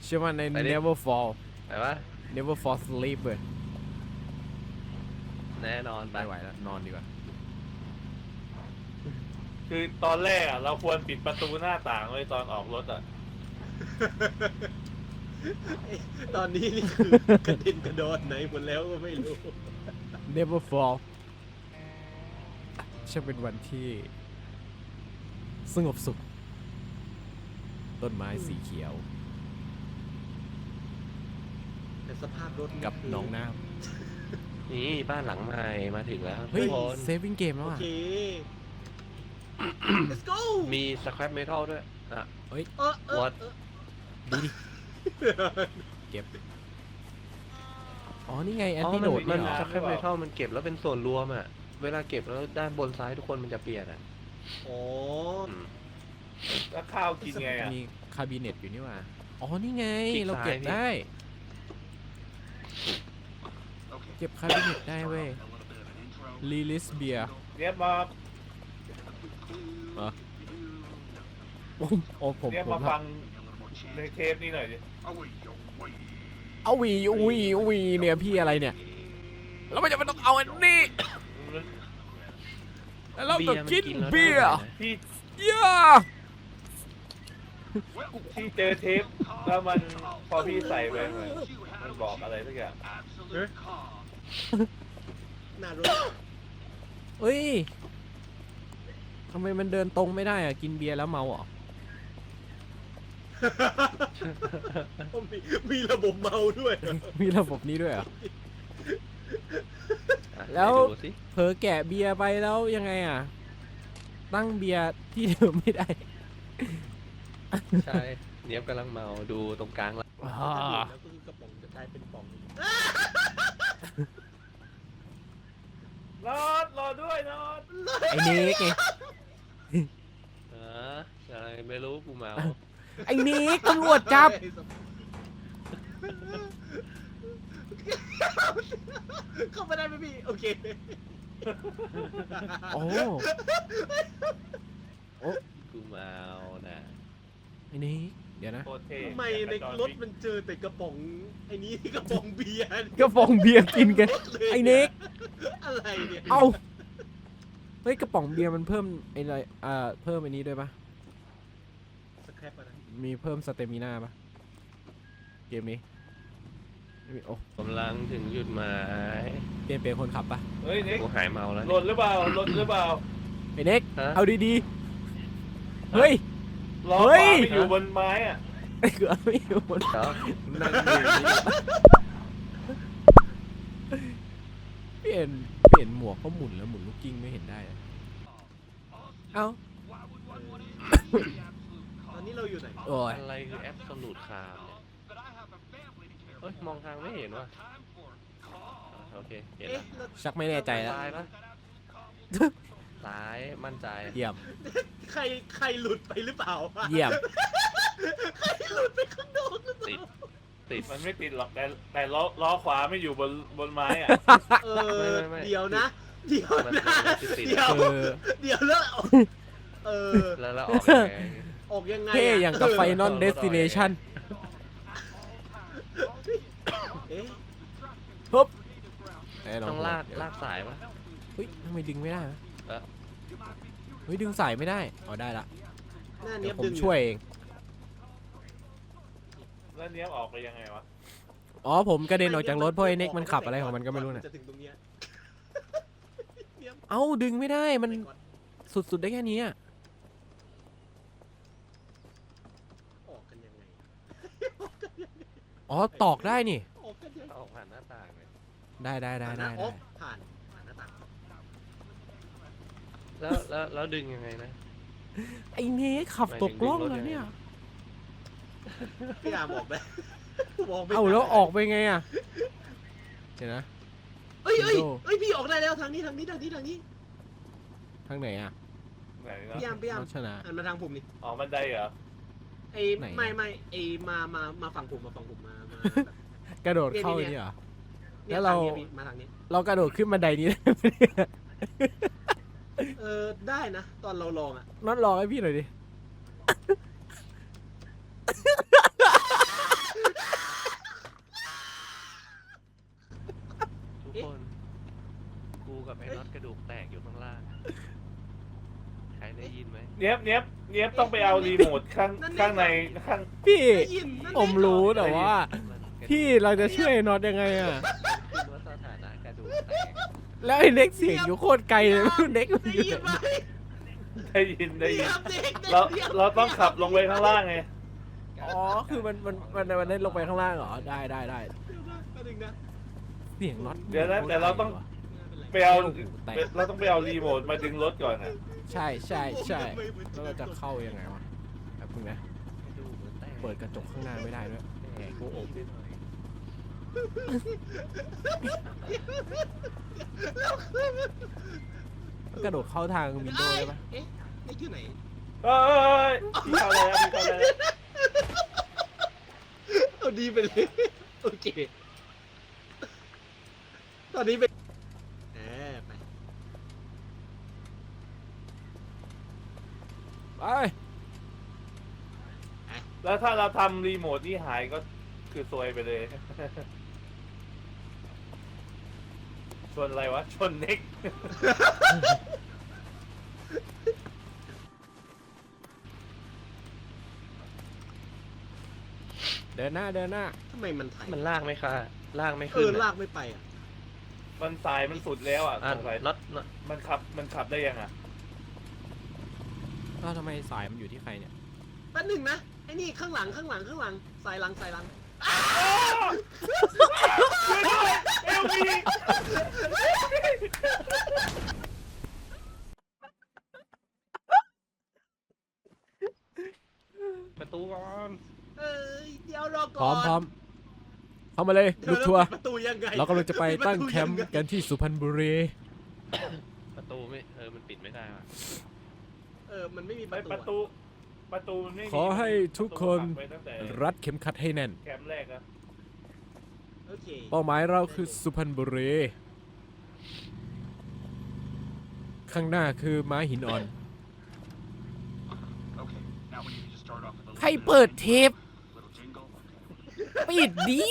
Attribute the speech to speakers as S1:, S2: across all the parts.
S1: ชื่อว่าใน
S2: ไปดิ
S1: never fall
S2: ไหนวะ
S1: never fall asleep เลย
S2: แน่นอนไป
S1: ไม่ไหวแล้วนอนดีกว่า
S3: คือตอนแรกอ่ะเราควรปิดประตูหน้าต่างไว้ตอนออกรถอ่ะ
S4: ตอนนี้นี่คือกระเด็นกระโดดไหนหมดแล้วก็ไม่รู้
S1: never fall ช่างเป็นวันที่สงบสุข ต้นไม้สีเขียว
S4: แต่สภาพรถ
S1: กับหนองน้
S2: นี่บ้านหลังใหม่มาถึงแล้ว
S1: ำเฮ้ย
S2: ทุกคน
S1: saving game แล้ว
S4: โอ
S1: อ่ะ
S4: เค let's go
S2: มีสครับเมทัลด้วยอ่ะ What?
S1: ดีดิ เก็บ อ๋อ นี่ไง แอน
S2: อ๋อ
S1: ตี้
S2: มั
S1: โด
S2: น
S1: ด
S2: มั
S1: นี่
S2: น
S1: เหรอ
S2: สครับเมทัลมันเก็บแล้วเป็นส่วนรวมอ่ะเวลาเก็บแล้วด้านบนซ้ายทุกคนมันจะเปลี่ยนอ่ะ
S4: อ๋อ
S2: อืม
S3: แล้วข้าวกินไงอ่ะ
S1: มีคาบิเนตอยู่นี่หว่า อ๋อ นี่ไง
S2: คลิก
S1: เราเก็บ
S2: ซ้ายพี่
S1: ได้ เก็บคาบิเนตได้เว้ย รีลิสเบียร์
S3: เนี่ยมา
S1: โอ้ผม
S3: เนี่ย
S1: ผม
S3: มาฟังในเทปนี้หน่อยดิ
S1: เอาวีเนี่ยพี่อะไรเนี่ย แล้วมันจะไม่ต้องเอาอันนี้ แล้วเราต้องกิน
S2: แล้ว
S1: เบียร์
S2: ได้นะ
S3: ที่
S1: ย่า
S3: ที่เจอเทปแล้วมันพอพี่ใส่ไปมันบอกอะไรสักอย่าง
S4: หน้ารถ
S1: เอ้ยทำไมมันเดินตรงไม่ได้อะกินเบียร์แล้วเมาเหรอ
S4: มีระบบเมาด้วย
S1: มีระบบนี้ด้วยเหรอ
S2: อ่ะ
S1: แล้ว
S2: ไปดูสิ
S1: เผลอแกะเบียร์ไปแล้วยังไงอ่ะ ตั้งเบียร์ที่เดิมไม่ได้
S2: ใช่เนียบกำลังเมาดูตรงกลางแล้ว
S4: แล้วก็คือกระป๋องจะกลายเป็นป่อง
S3: รอด้วยนอด
S1: ไอ้เนิกไง
S2: อะไรไม่รู้กูเมา
S1: ไอ้เนิกตำรวจจับ
S4: เข้ามาได้ไหมพี่ โอเค
S1: โอ้
S2: กูเมานะ
S1: ไอ้เนิกเดี๋ยวนะ
S3: โคตรเท่
S4: ทำไมในรถมันเจอแต่กระป๋องไอ้นี้กระป๋องเบียร์
S1: ก็ฟองเบียร์กินกัน ไอ้เนิก
S4: อะไรเนี่ย
S1: เอาเฮ้ยกระป๋องเบียร์มันเพิ่มไอ้อะไรเพิ่มไอ้นี้ด้วยปะ
S4: สแครปอะนะ
S1: มีเพิ่มสเตมิน่าปะเกมนี้ไม่มีโอ้
S2: กำลังถึงจุดหมาย
S1: เปลี่ยนเป็นคนขับปะ
S3: เฮ้ยเน็ก
S2: กูหายเมาแล้ว
S3: หล่นหรือเปล่าหล่นหรือเปล่า
S1: ไอ้เน็ก
S2: ฮะ
S1: เอาดีๆ เฮ้ย
S3: ล้อ
S1: เฮ้
S3: ขวาย ไปอยู่บนไม้อ่ะ
S1: ไอ้เกือบไม่อยู่บน
S2: เดี๋ยว
S1: นั่งอยู่นี่เปลี่ยนหมวกเขาหมุนแล้วหมุนลูกกิ้งไม่เห็นได้อะเอ้า
S4: ตอนนี้เราอยู่ไหน
S1: โอ้ย
S2: อะไรคือแอปสลูดคามเนี่ยเอ้ยมองทางไม่เห็นว่ะโอเคเห็น
S4: เอ๊ะ
S2: แล้ว
S4: แล้ว
S1: ชักไม่แน่ใจแล้ว
S2: ซ้ายปะซ้ายมั่นใจ
S1: เยี่ยม
S4: ใครหลุดไปหรือเปล่า
S1: เยี่ยม
S4: ใครหลุดไปข้างนอกหรือเป
S2: ติ
S4: ล่า
S2: ดติด
S3: มันไม่ติดหรอกแต่ล้อขวาไม่อยู่บนไม้อ่ะ
S4: เออ
S2: ไม่
S4: เดี๋ยวนะ เดี๋ยว
S2: มัน
S4: นะ
S2: ติด
S4: เดี๋ยว
S1: เออ
S4: เดี๋ยวแล้วเออ
S2: แล้วออกยังไง
S4: ออกยังไง
S1: เท่อย่างกับ
S4: เ
S1: Final Destination
S4: เอ๊ะ
S1: ฮึบไอ้น้
S2: ต้อง
S1: หัว
S2: ลากสายปะ
S1: เฮ้ยทำไมดึงไม่ได้วะ
S2: เออ
S1: เฮ้ยดึงสายไม่ได้อ๋อได้ละ
S4: หน้า
S1: เดี๋
S4: เนี้
S1: ย
S4: ยว
S1: ผม
S4: ดึง
S1: ช่วยเอง
S3: แล้วเนี้ยออกไปยังไงวะ
S1: อ๋อผมกระเด็นออกจากรถเพราะไอ้เน็กมันขับอะไรของมันก็ไม่รู้น่ะ
S4: จะถึงตรงเนี้ยเดี๋ยว
S1: เอ้าดึงไม่ได้มัน
S4: ไปก่อน
S1: สุดๆได้แค่นี้อะ
S4: ออกกันยังไง
S1: อ๋อตอกได้นี่
S4: ออกกันยังไง
S2: ออกผ่านหน้าต่างเลย
S1: ได้ได้
S4: อ๋อ
S1: ได้
S4: ผ่านหน้าต่าง
S2: แล้วดึงยังไงนะ
S1: ไอ้เน็กขับตกล่องแล้วเนี่ย
S4: พี่อามออกได้มองไม่
S1: เอ้า
S4: ทัน
S1: แล้วออกไปไงอ่ะเดี๋ยวนะ
S4: เอ้ย
S1: Window
S4: พี่ออกได้แล้วทางนี้
S1: ทางไหนอ่ะ
S3: ไหนนะ
S4: พี่อาม
S1: รถชนะ
S4: หันมาทางผมนี่
S3: ออกบันไดเหรอ
S4: ไอ้
S1: ไหน
S4: ไม่ไอ้มาฝั่งผมมาแบบ
S1: กระโดดเข้า
S4: เนี่ย
S1: นี่เหรอ
S4: นี่ย
S1: แล้วเรา
S4: ทงนี้พี่มาทางนี้
S1: เรากระโดดขึ้นบันไดนี้ได้ไหมเนี่ย
S4: ได้นะ ตอนเราลองอ่ะ
S1: น็อตลองให้พี่หน่อยดิ
S3: เนี้ยบต้องไปเอารีโมทข้างในข้าง
S1: พี่
S4: ได้ยินนั่น
S1: ผมรู้แต่ว่า พี่เราจะช่วยไอ้น็อตยังไงอะ
S2: ขึ้นว่าสถานะกระดูกแตก
S1: แล้วไอ้เน็กเสียงอยู่โคตรไกลเลยไม่รู้เน็กมัน
S4: ได้
S1: อยู่
S4: ยิน
S1: ไห
S4: ไหม
S1: น
S3: ได้ยิน
S4: ครับเด็ก
S3: เราต้องขับลงไปข้างล่างไง
S1: อ๋อคือมันได้ลงไปข้างล่างเหรอได้
S4: แป๊บนึงนะ
S1: เสียงน็อต
S3: เดี๋ยวนะแต่เราต้อง
S1: ไม่เป็นไร
S3: ไปเอา
S1: โอ้โหแตก
S3: เราต้องไปเอารีโมทมาดึงรถก่อนนะ
S1: ใช่แล้วเราจะเข้ายังไงวะแบบนึงนะ
S2: กระดูกมันแตก
S1: เปิดกระจกข้างหน้าไม่ได้ด้วย
S2: แตกกูอบนิดหน่อย
S1: กระโดดเข้าทางวินโดว์ได้ปะ
S4: เอ๊ะนี่ที่ไหน
S3: เอ้ยพี่เข้าเลยนะพี่เข้าเลยนะ
S4: เอาดีไปเลยโอเคตอนนี้เป็นไป
S1: ไป
S3: แล้วถ้าเราทำรีโมทนี่หายก็คือซวยไปเลย ชนอะไรวะ ชนเน็ก
S1: เดินหน้า
S4: ทำไมมันไถ
S2: มันลากไหมคะลากไม่
S4: เอ
S2: ขึ้น
S4: อ
S2: อะ
S4: ลากไม่ไปอ่ะ
S3: มันสายมันสุดแล้วอ่ะ
S2: อ่ะ
S3: สงสัย
S2: น็อต
S3: มันขับได้ยังอ่ะ
S1: แล้วทำไมสายมันอยู่ที่ใครเนี่ย
S4: แป๊บนึงนะไอ้นี่ข้างหลังสายหลัง
S3: เอลวี
S2: ประตูก่อน
S4: เอ้ยเดี๋ยวรอ
S1: พ
S4: ก่
S1: ร้
S4: อ
S1: อน มเข้ามาเลย
S4: เดี๋
S1: ลู
S4: ยว
S1: กทัวร์
S4: ปิดประตูยังไง
S1: เรากำลังจะไป
S4: ปิด
S1: ตั้ง
S4: ระตู
S1: แคมป์
S4: ยังไง
S1: กันที่สุพรรณบุรี
S2: ประตูไม่มันปิดไม่ได้ว่ะ
S4: มันไม่มี
S3: ไม่
S4: ป
S3: ประ ระ
S4: ตู
S3: ตูมันไม่มี
S1: ขอให้ทุกคน
S3: ประตูหักไปตั้งแต่
S1: รัดเข็มขัดให้แน่น
S3: แคมป์แรกนะ
S4: โอเค
S1: เป้าหมายเราคือสุพรรณบุรี ข้างหน้าคือม้าหินอ่อน ใครเปิดเทป ปิดดี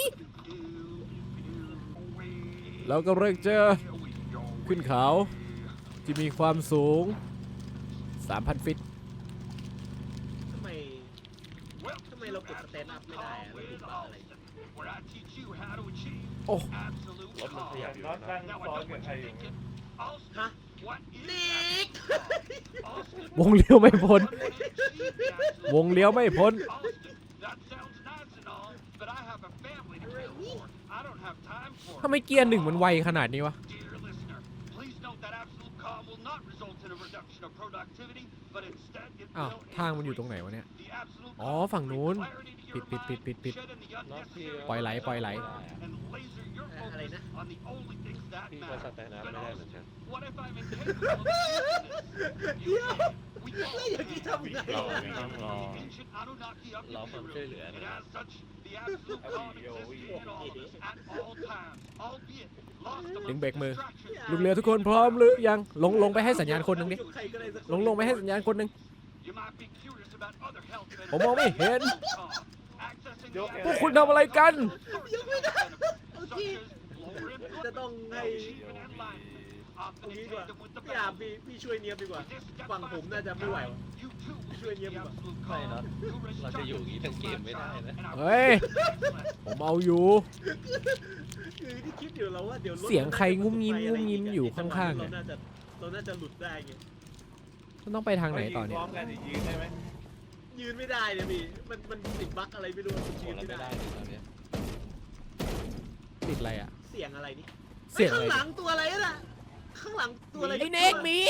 S1: เรากำลังจะขึ้นเขาที่มีความสูง 3,000 ฟิต
S4: ทำไมเรากดสแตนด์อัพไม่ได้อะเรากดบัตรอะไร
S1: โอ้
S2: รถมันขยับอยู่
S3: น็อต
S2: นะ
S3: นั่งซ้อนกับใครอยู่
S4: ฮะนิก
S1: วงเลี้ยวไม่พ้น วงเลี้ยวไม่พ้น ทำไมเกียร์หนึ่งมันไวขนาดนี้วะ อ้าว ทางมันอยู่ตรงไหนวะเนี่ย อ๋อ ฝั่งนู้น ปิด
S2: น็อตพี่
S1: ปล่อยไหล
S4: อะไรนะ
S2: พี่ก็สแตนด์อัพไม่ได้เหมือนกัน
S4: เดี๋ยวแล้วอย่างนี้ทำไง
S2: รอ
S4: อะ
S2: ต้องรอความช่วยเหลือนะ
S1: ดึงเบรกมือ ลูกเรือทุกคนพร้อมหรือยัง ลงไปให้สัญญาณคนหนึ่งดิ
S4: ใครก็ได้สัก
S1: ลงไปให้สัญญาณคนหนึ่ง ผมมองไม่เห็น พวกคุณทำอะไรกัน
S4: โอเคจะต้องให้ตรงนี้ดีกว่าพี่อาบพี่ช่วยเนียบดีกว่าฝั่งผมน่าจะไม่ไหวว่ะช่วยเนียบดีกว่า
S2: ไม่น็อตเราจะอยู่อย่างนี้ทั้งเกมไม่ได้นะ
S1: เฮ้ย ผมเอาอยู่
S4: คือที่คิดอยู่แล้วว่าเดี๋ยวรถ
S1: เสียงใครงุ้มงิ้มอยู่ข้างๆเนี่ย
S4: เราน่าจะหลุดได้ไง
S1: มันต้องไปทางไหนต่อเนี่ย
S3: พร้อมกันยืนได้ไหม
S4: ยืนไม่ได้เนี่ยพี่มันติดบั๊กอะไรไม่รู้มัน
S2: โห
S4: ยืน
S2: เรา
S4: ไม่
S2: ไม่
S4: ได้
S2: ได้เลยตอนเนี้ย
S1: ติดอะไรอ่ะ
S4: เสียงอะไรนี่
S1: เสียงอะไร
S4: ข้างหลังตัวอะไรน่ะข้างหลังตัวอะไร
S1: ไอ้เน็กมี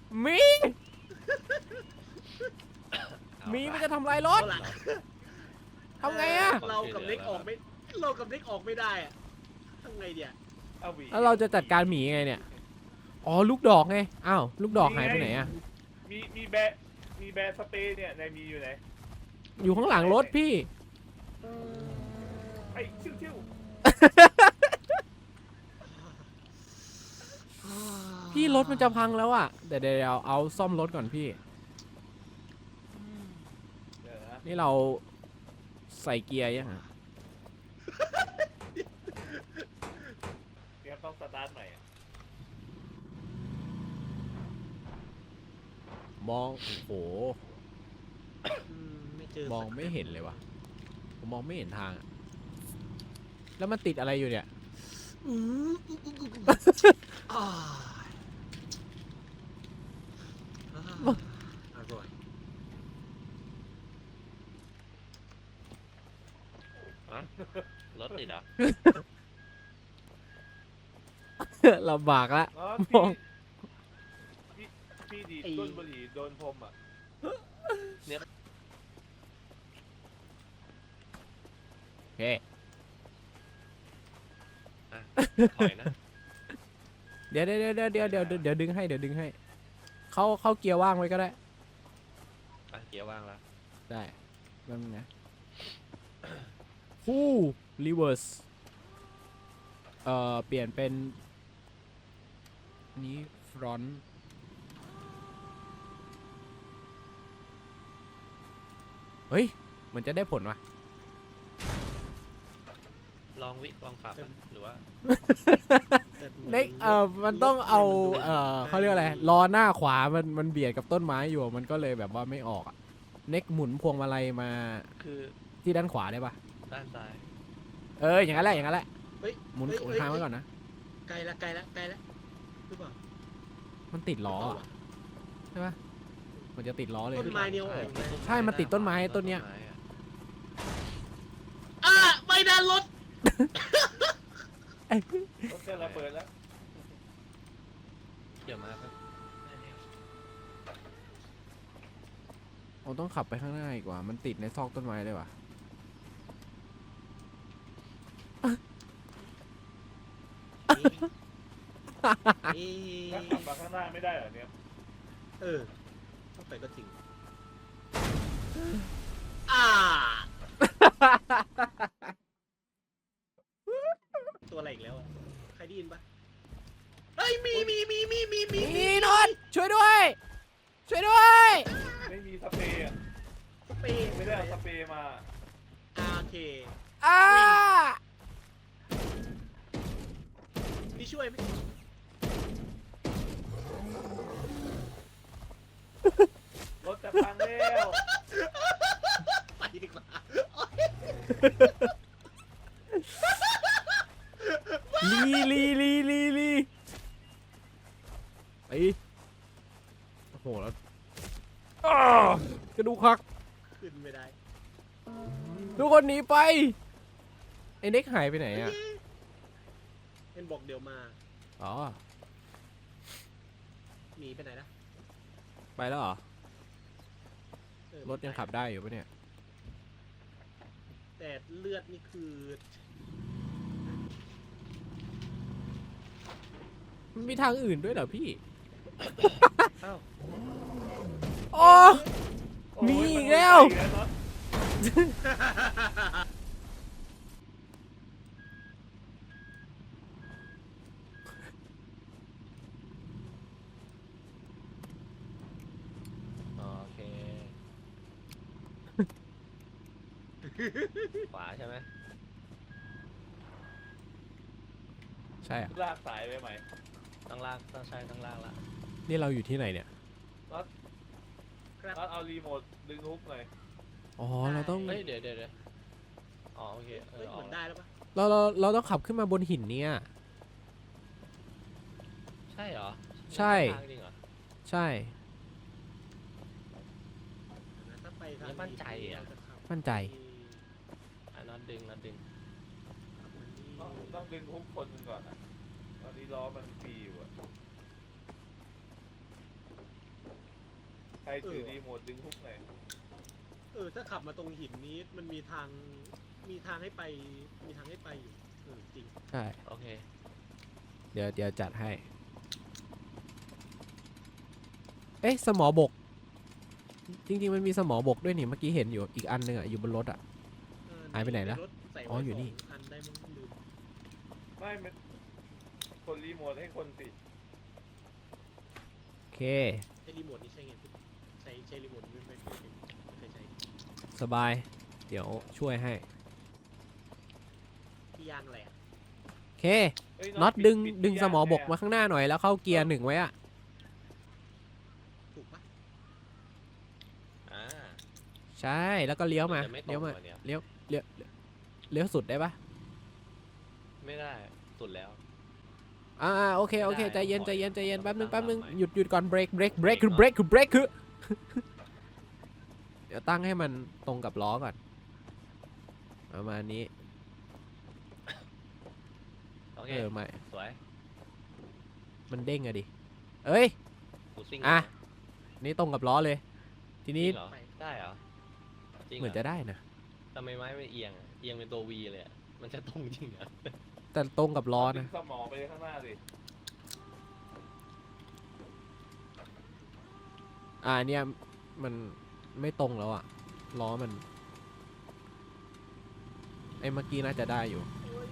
S1: มันจะทำลายร
S4: เอา
S1: ถ
S4: หลัง
S1: ทำไงอะ
S4: เรากับเน็กออกไม่ได้อะทำไงเดี๋ยว
S3: เอาหวี
S1: แล้วเราจะจัดการหมีไงเนี่ย อ๋อ ลูกดอกไง อ้าว ลูกดอกหายไปไหนอ่ะ
S3: มีแบร์สเปรย์เนี่ยในมีอยู่ไหน
S1: อยู่ข้างหลังรถพี่
S3: ไอ้ชิว
S1: พี่รถมันจะพังแล้วอ่ะ เดี๋ยวเอาซ่อมรถก่อนพี่
S3: เดี๋ยวนะ
S1: นี่เราใส่เกียร์ยังฮะ
S3: เดี๋ยวต้องสตาร์ทใหม่อะ
S1: มมองโอ้โห
S4: ไม่เจอ
S1: มองไม่เห็นเลยวะผมมองไม่เห็นทางอะแล้วมันติดอะไรอยู่เนี่ย
S4: อืมอ่าอร่อย
S2: รถติดเหรอ
S1: ลำบากละ
S3: อ๋อ
S1: มอง
S3: พี่ดีดก้นบุหรี่โดนพรมอ่ะ
S1: โอเค
S2: ถอยนะ
S1: เดี๋ยวดึงให้เดี๋ยวดึงให้เข้าเกียร์ว่างไว้ก็ได้
S2: อ่ะเกียร์ว่างแล้ว
S1: ได้นั่นนะฮู้รีเวิร์สเปลี่ยนเป็นนี้ฟรอนต์เฮ้ยมันจะได้ผลวะ
S2: ลองปรับนะหรือว่า
S1: เน็กมันต้องเอาเขาเรียกอะไรล้อหน้าขวามันเบียดกับต้นไม้อยู่มันก็เลยแบบว่าไม่ออกอะเน็กหมุนพวงมาลัยมา
S2: คือ
S1: ที่ด้านขวาได้ปะ
S2: ด้านซ้าย
S1: อย่างนั้นแหละอย่างนั้นแหละ
S4: เฮ้ย
S1: หมุน
S4: เฮ้ย
S1: ทางไว้ก่อนนะ
S4: ไกลละหรือเปล่า
S1: มันติดล้ออะใช่ปะมันจะติดล้อเลย
S4: ต้นไม้เนี่ยโอ้โห
S1: ใช่มันติดต้นไม้ต้นเนี้ย
S4: อ่ะไม่ดันรถ
S3: รถจะระเบิดแล้ว
S2: เกี่ยวมาครับ
S1: เราต้องขับไปข้างหน้าอีกว่ามันติดในซอกต้นไม้เลยว่ะ
S3: ถ้าขับมาข้างหน้าไม่ได้เหรอเนี่ย
S4: ต้องไปก็จริงอ่าตัวอะไรอีกแล้วอ่ะใครได้ยินปะเฮ้ยมี
S1: นี่นนท์ช่วยด้วยช่วยด้วย
S3: ไม่มีสเปรย์อะ
S4: สเปรย์
S3: ไม่ได้เอาสเปรย์มา
S4: โอเค
S1: อ้า
S4: นี่ช่วยไหม
S3: รถจะพังแล้ว
S4: ไปดีกว่า
S1: ลีไอ้โอ้โหแล้วกระดูกหัก
S4: ขึ้นไม่ได้
S1: ทุกคนหนีไปไอ้เน็กหายไปไหนอ่ะ
S4: เอ็นบอกเดี๋ยวมา
S1: อ๋อ
S4: หนีไปไหนนะ
S1: ไปแล้วเหรอ
S4: เออ
S1: รถยังขับได้อยู่ปะเนี่ย
S4: แต่เลือดนี่คือ
S1: มันมีทางอื่นด้วยเหรอพี่
S2: อ้าว
S1: โอ้ มีอีกแล้ว
S3: โอ้ยมันไม่ไปอีกแล้วเนอะ
S2: โอเค ขวาใช่ไหม
S1: ใช่อ่ะ
S3: ลากสายไปไหม
S2: ต้องลากต้องใช้ต้องลากละ
S1: นี่เราอยู่ที่ไหนเนี่ย
S4: ครับ
S3: น็อตเอารีโมทดึงฮุกหน่อย
S1: อ๋อ เราต้อง
S2: เฮ้ยเดี๋ยวอ๋อโอเค
S4: เฮ้ย
S2: อ
S4: เห
S2: อ
S4: มื
S2: ก
S4: อนได้แล้วปะ
S1: เราต้องขับขึ้นมาบนหินเนี่ย
S2: ใช่เหรอ
S1: ใช่
S2: ทางจริงเหรอ
S1: ใช่
S4: ถ้าไปทาง
S2: นี่มั่นใจอะ
S4: เราจขับ
S1: มั่นใจ
S2: อ่ะน็อตดึง
S3: ต้องดึงฮุกคนหนึ่งก่อนอะตอนนี้ล้อมันฟรีอยู่อะใครถือรีโมทดึงฮุกหน่อย
S4: ถ้าขับมาตรงหินนี้มันมีทางให้ไปอยู่จริง
S1: ใช่
S2: โอเค
S1: เดี๋ยวจัดให้ เอ๊ะ สมอบก จริงๆ มันมีสมอบกด้วยนี่ เมื่อกี้เห็นอยู่ อีกอันหนึงอ่ะ อยู่บนรถอ่ะ หายไปไหนละ
S4: รถใส่ไว้
S1: อ๋ออยู่นี่
S4: 2 อันได้มั้งลืม
S3: ไม่มันคนรีโมทให้คนสิ
S1: โอเค
S4: ใช้รีโมทนี่ใช่ไงใช้รีโมทไม่เคยใช้
S1: สบาย เดี๋ยวช่วยให้
S4: ที่ยางอะไรอะ
S1: โอเค
S3: เอ้ย
S1: น็อต
S3: ปิ
S1: ดึง
S3: ปิ
S1: ดึง
S3: ที่
S1: สมอบก
S3: ย่
S1: มาข้างหน้าหน่อยแล้วเข้าเกียร์ 1ไว้อ่ะ
S4: ถูกปะ
S1: ใช่แล้วก็เลี้ยวมา
S2: จะไม่ตร
S1: เลี้ยว
S2: ง
S1: มา
S2: วันเนี้ย
S1: เลี้ยวสุดได้ปะ
S2: ไม่ได้สุดแล้ว
S1: โอเค
S2: ไม่ได้
S1: ใจเย็น
S2: ขอ
S1: ใจเย็นใจเย็น
S2: ขอ
S1: แป๊บนึง
S2: ตั้
S1: แป๊บ
S2: ง
S1: นึง
S2: หลักใหม่
S1: หยุดก่อนเบรกคือ เดี๋ยวตั้งให้มันตรงกับล้อก่อนประมาณนี้
S2: โอเค
S1: ไม่
S2: สวย
S1: มันเด้งอะดิเอ้ย
S2: กูซิ่ง
S1: อ่ะ นี่ตรงกับล้อเลย ที
S2: นี่
S1: นี้
S2: เหรอได้เหรอจริง
S1: เหมือนจะได้นะ
S2: ทำไมไม้ไม่เอียงอะเอียงเป็นตัววีเลยอะมันจะตรงจริงเหรอ
S1: แต่ตรงกับล้อ
S3: ดึ
S1: นะ
S3: งสมองไปข้างหน้าสิ
S1: เนี่ยมันไม่ตรงแล้วอะล้อมันไอ้เมื่อกี้น่าจะได้อยู่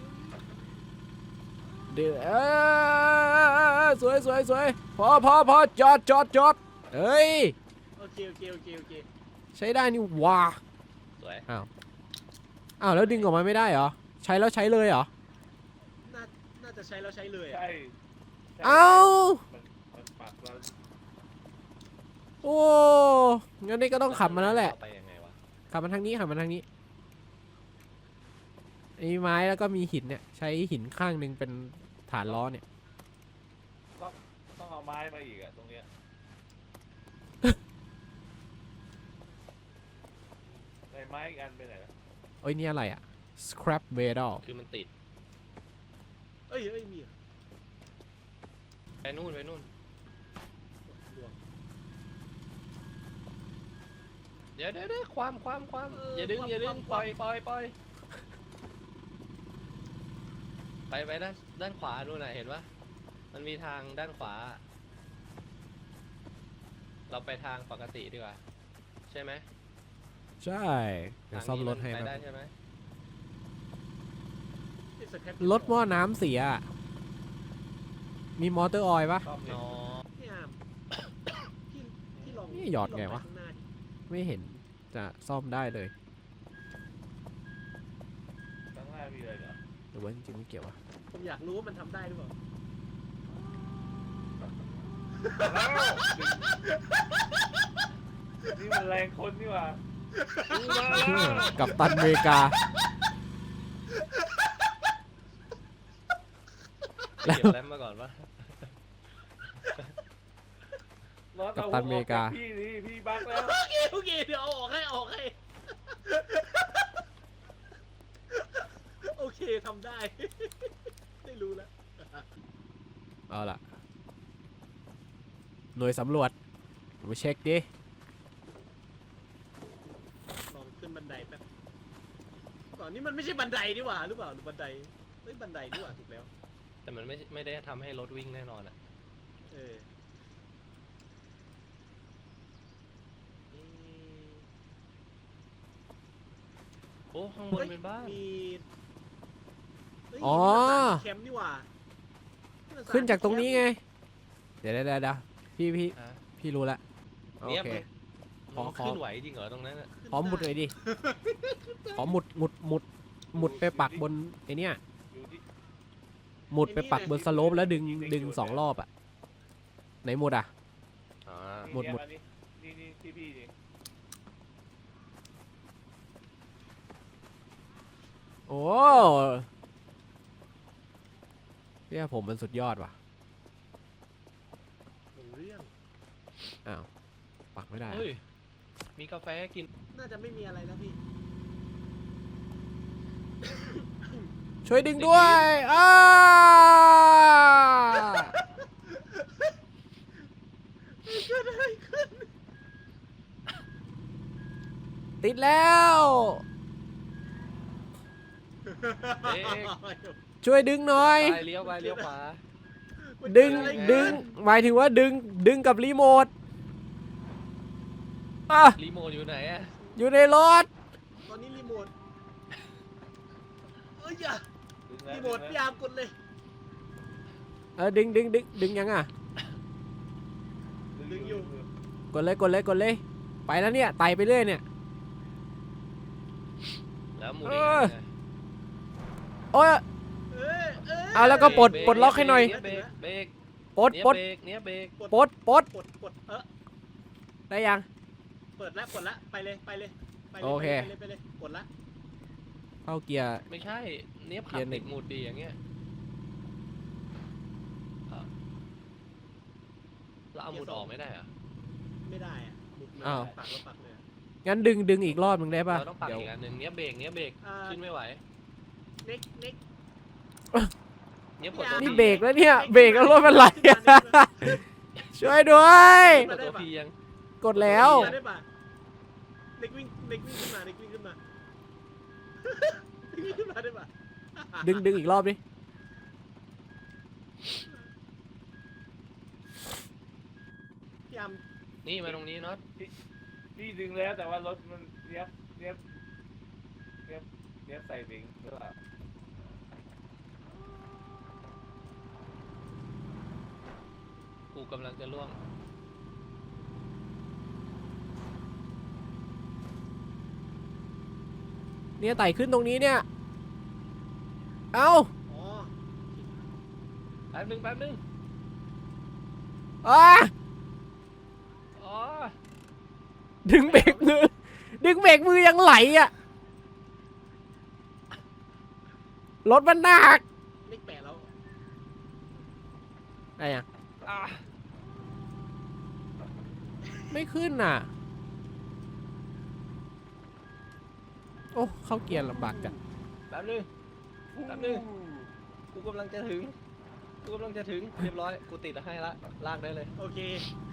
S1: เดี๋ยวสวยพอจอดเอ้ย
S4: โอเค
S1: ใช้ได้นี่ว้า
S2: สวย
S1: อ้าวแล้วดึงออกมาไม่ได้เหรอใช้แล้วใช้เลยเหรอ
S4: น่าจะใช้แล้วใช้เลยอะ
S3: ใช่ใช่
S1: เอ้า
S3: มันปักแล้ว
S1: โอ้งั้นนี่ก็ต้องขับมาแล้วแหละ
S2: ไปยังไงวะ
S1: ขับมาทางนี้ไอ้ไม้แล้วก็มีหินเนี่ยใช้หินข้างหนึ่งเป็นฐานล้อเนี่ย
S3: ต้องเอาไม้มาอีกอะตรงเนี้ยไอ้ไม้อีกอันไปไหนแล้ว
S1: เอ้ยนี่อะไรอะ scrap metal
S2: คือมันติด
S4: เอ้ยมีเหรอ
S2: ไปนู่น
S4: ดวง
S2: เดี๋ยวความอย่าดึงปล่อยไปด้านขวานู่นน่ะเห็นปะมันมีทางด้านขวา เราไปทางปกติดีกว่าใช่ไหม
S1: ใช่เดี๋ยว
S2: ทาง
S1: ซ่อม
S2: นี้
S1: รถให้
S2: ไป
S1: ครับ
S2: ได้ใช่ไหม
S4: นี่สแคป
S1: รถหม้อน้ำเสียอะมีมอเตอร์ออยล์ปะ
S3: ซ่อมดิ
S2: อ๋อ
S4: พี่อาร์มพี่ลอง
S1: นี่หยอดไงวะ
S4: พี่ลอปข้างหน้าดิ
S1: ไม่เห็นจะซ่อมได้เลย
S3: ข้างหน้ามีอะไรเหรอ
S1: หรือว่าจริงๆไม่เกี่ยววะ
S4: ผมอยากรู้ว่ามันทำได้หรือเปล่า
S3: นี่มันแรงคนนี่หว่ามาแล้ว
S1: กับตันอเมริกา
S2: เก็บแรมมาก่อนปะ
S3: รถ
S1: กัปตันอเมริกา
S3: พี่นี่พี่บักแล้ว
S4: โอเคเดี๋ยวเอาออกให้โอเคทำได้ ได้รู้แล้ว
S1: เอาล่ะ หน่วยสำรวจมาเช็คดิ
S4: ลองขึ้นบันไดแป๊บก่อนนี้มันไม่ใช่บันไดนี่หว่าหรือเปล่าหรือบันไดเฮ้ยบันไดนี่หว่าถูกแล้ว
S2: แต่มันไม่ได้ทำให้รถวิ่งแน่นอนอ่ะ
S4: เออ
S2: โอ้ข้างบนเป็นบ้าน
S4: มีเฮ้ย
S1: อ๋อ
S4: นี่มันสถานแคมป์นี่หว่านี่มัสถ
S1: ขึ้นจากตรงนี้ไง
S4: แคมป์
S1: เดี๋ยวพี่
S2: ฮะ
S1: พี่รู้ละโอ
S2: เนี่ย
S1: เค
S2: มัน
S1: ขอ
S2: ขึ้นไหวจริงเหรอตรงนั้นอ่ะ
S1: ขอหมุดหน่อยดิ ขอหมุดไปปักบนไอเนี้ย
S3: อยู่ที่
S1: หมุดไปปักบนสโลปแล้วดึง2 รอบอะไหนหมุดอะ
S2: อ่า
S1: หมด
S3: เนี่ยอันนี้นี่ที่พี่นี่
S1: โอ้เนี่ยผมมันสุดยอดว่ะ
S4: เป็นเรื่อง
S1: อ้าวปักไม่ได้อะ
S2: เฮ้ยมีกาแฟกิน
S4: น่าจะไม่มีอะไรแล้วพี่
S1: ช่วยดึงด้วย
S4: เกิดอะไรขึ้น
S1: ติดแล้ว
S2: เอ๊ะ
S1: ช่วยดึงหน่อย
S2: ไปเลี้ยวขวา
S1: ดึง
S4: มันเกิดอะไร
S1: ดึงหมายถึงว่าดึงกับรีโมทอ่ะ
S2: รีโมทอยู่ไหนอะ
S1: อยู่ในรถ
S4: ตอนนี้รีโมทเอ้ยอย่า
S3: ดึงแล้ว
S4: รีโมท
S3: ดึง
S4: พี่
S3: แล้ว
S4: อาร์มกดเลย
S1: ดึงยังอ่ะ
S4: ดึงอยู่
S1: กดเลยไปแล้วเนี่ยไต่ไปเรื่อยเนี่ย
S2: แล้วหมุน
S1: เอ
S2: อีก
S1: อ
S2: อันน่ะ
S1: โอ้ย เอาแล้วก็ปลด
S2: เบร
S1: ปลดล็อกให้หน่อย
S2: เบรกเบรก
S1: ปลด
S2: เนี่ย
S1: ปลด
S2: เบรกเนี่ยเบรก
S1: ปลด
S4: กดได้ยัง
S1: ได้ยัง
S4: เปิดแล้วกดแล้วไปเลยไป
S1: โอเค
S4: ไปเลยกดละ
S1: เข้าเกียร์
S2: ไม่ใช่เนี้ยขับ
S1: เกียร์หนึ่
S2: ติ
S1: ง
S2: ดหมุดดีอย่างเงี้ยเราเอาหมุดออกไม่ได้เหรอะ
S4: ไม่ได้อะหมุดมัน
S1: อ้าว
S4: ปักแล้วปักเลยอะ
S1: งั้นดึงอีกรอบมึงได้ป่ะ
S2: เราต้องปัก
S1: เดี๋ยว
S2: อีกอันหนึ่งเนี้ยเบรกขึ้นไม่ไหว
S4: เน็ก
S2: เนี้ยกด
S1: นี่เบรกแล้วเนี่ยเบรกแล้วรถมันไหลช่วยด้วย
S2: กดตัวพียัง
S1: กดแล้ว
S4: ได้ปะเน็กวิ่งขึ้นมาเน็กวิ่งขึ้นมา เน็กวิ่งขึ้นมาได้ปะ
S1: ดึงอีกรอบดิ
S4: พี่ยาม
S2: นี่มาตรงนี้เนาะ
S3: พี่ดึงแล้วแต่ว่ารถมันเนี้ยใส่เบรกหรือเปล่า
S2: กูกำลังจะล่วง
S1: เนี่ยไต่ขึ้นตรงนี้เนี่ย เอ้า
S4: อ๋อ
S2: แป๊บนึง
S1: อ้า
S2: อ๋อ
S1: ดึงเบรกมือยังไหลอ่ะ รถมันหนัก
S4: เน็กแปะแล้ว
S1: อะไรอ่ะ
S2: อ่ะ
S1: ไม่ขึ้นน่ะ โอ้เข้าเกียร์ลำบากจัง
S2: แป๊บนึงกูกำลังจะถึงเรียบร้อยกูติดให้ละลากได้เลย
S4: โอเค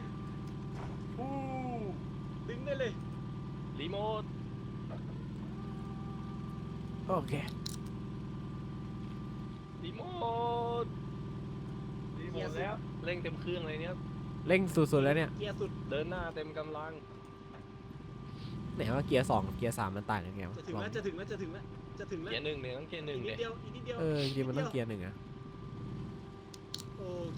S4: ดึงได้เลย
S2: รีโมท
S1: โอเค
S2: รีโมท
S3: รีโมทแล้ว
S2: เร่งเต็มเครื่องเลยเนี่ย
S1: เร่งสุดๆแล้วเนี่ย
S4: เกียร์สุด
S2: เดินหน้าเต็มกำลัง
S1: ไหนว่าเกียร์2กับเกียร์3มันต่างกันไงวะ
S4: จะถึง
S1: ลอง
S4: แล้วจะถึงแล้ว
S2: เกียร์หนึ่งเนี่ยต้องเกียร์หนึ่ง
S4: อีกนิ
S2: เนี่
S4: ด
S2: ย
S4: เดียวอีกนิดเดียว
S1: จริงๆมันต้องเกียร์1อ่ะ
S4: โอเค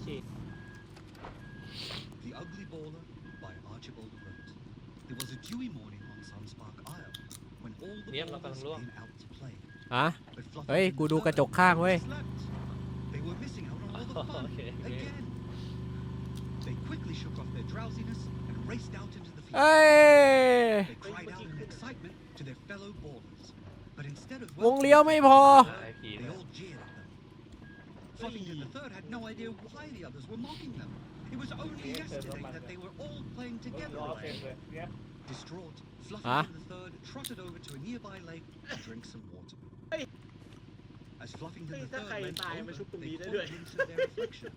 S5: The Ugly Baller by Archibald Wrote. It was a dewy morning on Sunspark Isle when all the
S2: Yep,
S5: ballers
S2: nakakaluwag.
S5: came out to play.
S1: อ่ะ
S5: But Fluffy
S1: เฮ้ย
S5: and
S1: กู
S5: the
S1: ดูกระจ
S5: Third
S1: กข้างเว้ย
S5: slept. They were missing out on all the fun
S2: Okay, okay.
S5: again. They quickly shook off their drowsiness and raced out into the
S1: เอ้
S5: field.
S1: ย
S5: They cried out in excitement to their fellow ballers. But instead of
S1: วงเลี้ยวไม่พอ
S2: ไอพี
S5: they all jeered at them. Fluffington the Third had no idea why the others were mocking them. It was only yesterday that they were all playing
S3: รถ
S5: together
S3: ล้อเต็ม
S5: again.
S3: เลยเนี้ย
S5: Distraught,
S1: Huh?
S5: Fluffington the Third trotted over to a nearby lake to drink some water.
S4: Hey.
S5: As Fluffington
S4: Hey,
S5: the
S4: that
S5: Third
S4: guy
S5: leant
S4: died,
S5: over,
S4: mà xúc tùng
S5: they
S4: đi tới
S5: caught a
S4: rồi.
S5: glimpse of their reflection.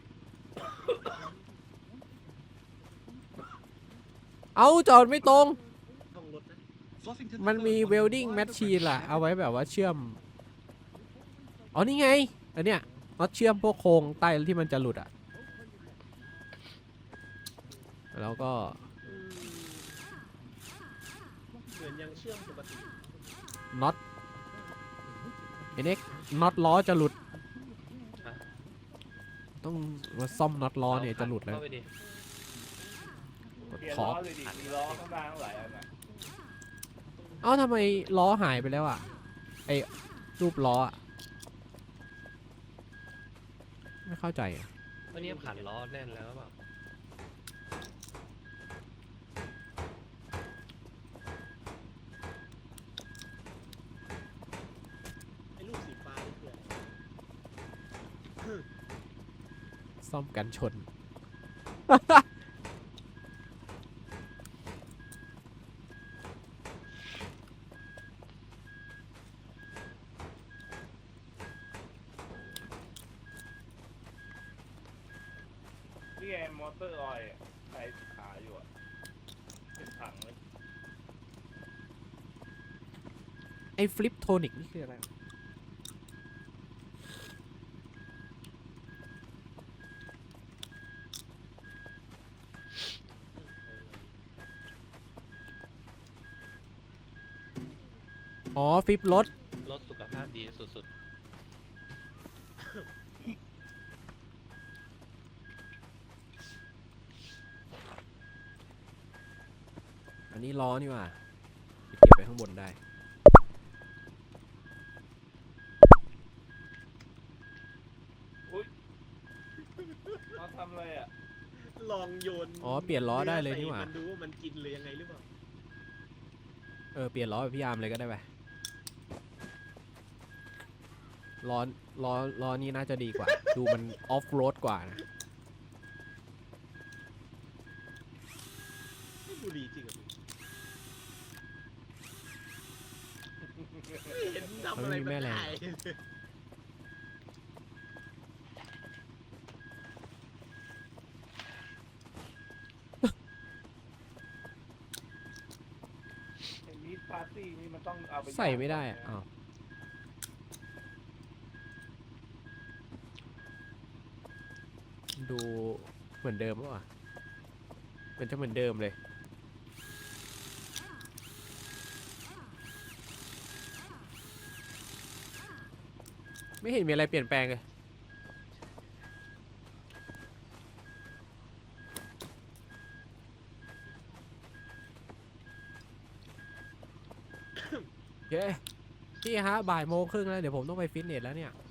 S1: เอาจอดไม่ตรง
S4: ท่องรถนะ
S5: Fluffington
S1: มัน
S5: the
S1: มี
S5: Third
S1: เวล
S5: wondered
S1: ดิ้ง
S5: why
S1: แมช
S5: the
S1: ชีน
S5: French
S1: ล่ะ
S5: had
S1: เอาไว้แบบว่าเชื่อม อ๋อ นี่ไง อันเนี้ยน็อตเชื่อมพวกโครงใต้ที่มันจะหลุดอ่ะ แล้วก็
S4: อืมเหมือนยังเชื่อมปกติ
S1: น็อตไอ้เน็กน็อตล้อจะหลุด ต้องมาซ่อมน็อตล้อเนี่ยจะหลุดแล้ว
S2: เข้าไปดิ
S1: กด
S3: เปลี่ยน
S1: ขอ
S3: ล้อเลยดิมีล้อข้างล่างหลายอันอ่ะ
S1: เอ้าทำไมล้อหายไปแล้วอ่ะ ไอ้รูปล้ออะไม่เข้าใจอะ
S2: วันนี้ขันล้อแน่นแล้วหรือเปล่า
S4: ไอ้ลูกสีฟ้านี่คืออะไร
S1: ซ่อมกันชน
S3: นี่ไงมอเตอร์ออยล์อะใส่ขาอยู่อ่ะเป็นถังเลย
S1: ไอ้ฟลิปโทนิกนี่คืออะไร อ๋อ ฟลิปรถ
S2: รถสุขภาพดีสุด
S1: อันนี้ล้อนี่หว่าเก็บไปข้างบนได้
S3: มาทำอะไรอ่ะ
S4: ลองโยน
S1: อ๋อเปลี่ยนล้อได้เลยนี่หว่า
S4: มันดูว่ามันกินหรือยังไงหรือเปล่า
S1: เปลี่ยนล้อแบบพี่อาร์มเลยก็ได้ไปล้อล้อนี้น่าจะดีกว่า ดูมันออฟโรดกว่านะ
S4: ไม่บุรีจริงเหรอพี่เห็นทำอะไรมันได้
S3: ไอ้มีดปาร์ตี้นี่มันต้องเอาไป
S1: ใส่ไม่ได้อะอ้าวดูเหมือนเดิมป่ะมันจะเหมือนเดิมเลย ไม่เห็นมีอะไรเปลี่ยนแปลงเลยโอเคพี่ฮะบ่ายโมงครึ่งแล้ว เดี๋ยวผมต้องไปฟิตเนสแล้วเนี่ย